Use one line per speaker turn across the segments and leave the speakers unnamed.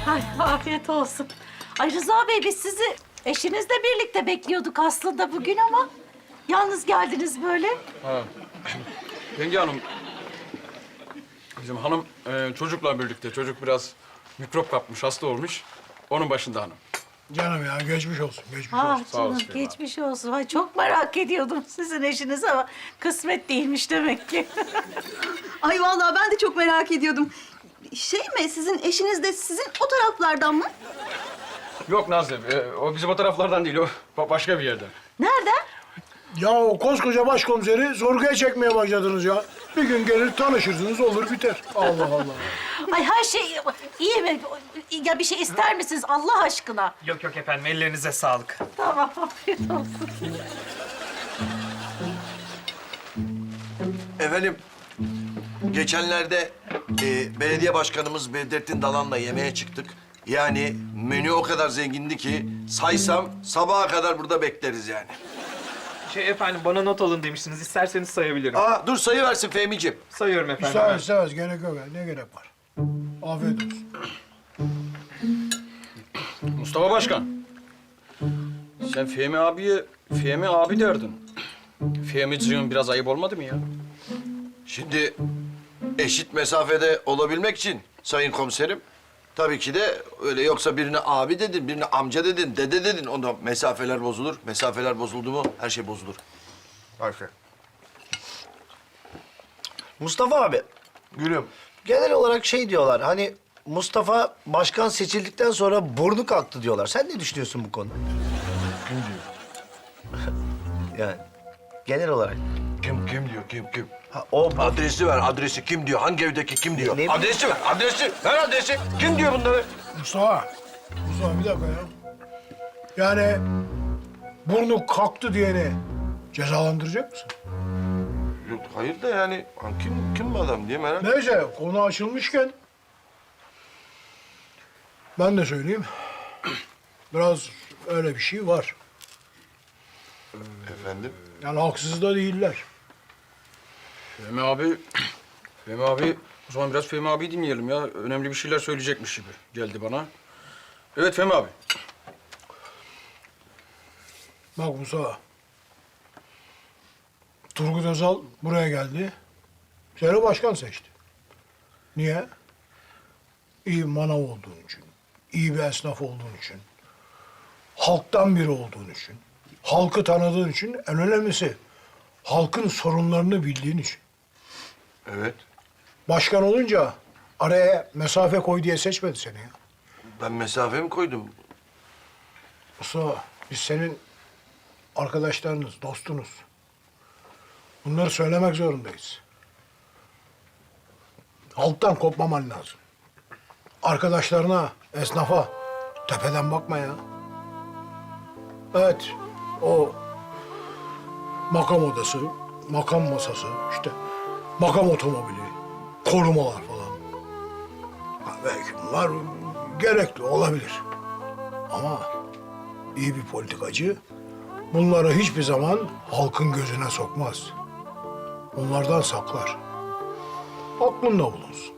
Ay, afiyet olsun. Ay Rıza Bey, biz sizi eşinizle birlikte bekliyorduk aslında bugün ama yalnız geldiniz böyle.
Ha. Yenge Hanım, bizim hanım çocukla birlikte. Çocuk biraz mikrop kapmış, hasta olmuş. Onun başında hanım.
Canım ya geçmiş olsun, geçmiş
Ah
olsun.
Sağ
canım,
olasın Fehmi
geçmiş olsun. Ay çok merak ediyordum sizin eşinizi ama kısmet değilmiş demek ki.
Ay vallahi ben de çok merak ediyordum. Şey mi, sizin eşiniz de sizin o taraflardan mı?
Yok Nazlı, o bizim o taraflardan değil, o başka bir yerden.
Nereden?
Ya o koskoca başkomiseri sorguya çekmeye başladınız ya. Bir gün gelir tanışırsınız olur biter. Allah Allah.
Ay her şey iyi mi? Ya bir şey ister misiniz Allah aşkına?
Yok yok efendim, ellerinize sağlık.
Tamam, afiyet olsun.
Efendim, geçenlerde belediye başkanımız Bedrettin Dalan'la yemeğe çıktık. Yani menü o kadar zengindi ki saysam sabaha kadar burada bekleriz yani.
Efendim, bana not alın demiştiniz. İsterseniz sayabilirim.
Aa dur sayıversin Fehmi'ciğim.
Sayıyorum efendim.
İstemez istemez gerek yok ya. Ne gerek var? Afiyet olsun.
Mustafa Başkan, sen Fehmi abiye Fehmi abi derdin. Fehmiciğim biraz ayıp olmadı mı ya?
Şimdi eşit mesafede olabilmek için sayın komiserim, tabii ki de öyle, yoksa birine abi dedin, birine amca dedin, dede dedin, onda mesafeler bozulur. Mesafeler bozuldu mu her şey bozulur. Harika.
Mustafa abi,
Gülüm.
genel olarak şey diyorlar, hani Mustafa başkan seçildikten sonra burnu kalktı diyorlar. Sen ne düşünüyorsun bu konuda?
Kim diyor?
Yani genel olarak.
Kim diyor, kim?
Ha, o
Adresi ver, adresi kim diyor, hangi evdeki kim diyor?
Ne-
Adresi ver, ver adresi. Kim diyor bunları?
Mustafa bir dakika ya. Yani burnu kalktı diyeni cezalandıracak mısın?
Yok, hayır da yani kim bu adam diye merak.
Neyse konu açılmışken ben de söyleyeyim. Biraz öyle bir şey var.
Efendim?
Yani haksız da değiller.
Fehmi abi, o zaman biraz Fehmi abi dinleyelim ya. Önemli bir şeyler söyleyecekmiş gibi geldi bana. Evet Fehmi abi.
Bak Musa. Turgut Özal buraya geldi. Seni başkan seçti. Niye? İyi bir manav olduğun için. İyi bir esnaf olduğun için. Halktan biri olduğun için. Halkı tanıdığın için. En önemlisi halkın sorunlarını bildiğin için.
Evet.
Başkan olunca araya mesafe koy diye seçmedi seni ya.
Ben mesafe mi koydum?
Musa, biz senin arkadaşlarınız, dostunuz. Bunları söylemek zorundayız. Halktan kopmaman lazım. Arkadaşlarına, esnafa tepeden bakma ya. Evet, o makam odası, makam masası, işte makam otomobili, korumalar falan. Ha, belki bunlar gerekli olabilir. Ama iyi bir politikacı bunları hiçbir zaman halkın gözüne sokmaz. Onlardan saklar. Aklında bulunsun.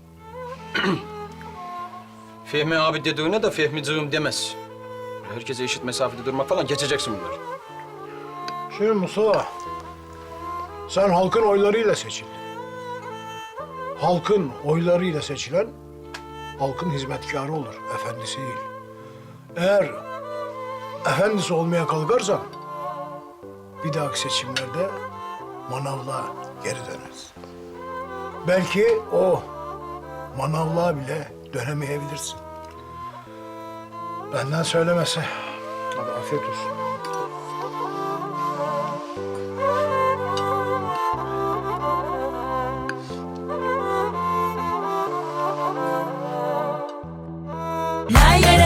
Fehmi abi dediğine de Fehmiciğim demez. Herkese eşit mesafede durmak falan, geçeceksin bunları.
Şimdi Mustafa, sen halkın oylarıyla seçildin. Halkın oylarıyla seçilen, halkın hizmetkarı olur, efendisi değil. Eğer efendisi olmaya kalkarsan, bir dahaki seçimlerde manavlığa geri döneriz. Belki o manavlığa bile dönemeyebilirsin. Benden söylemesi. Hadi afiyet olsun.
La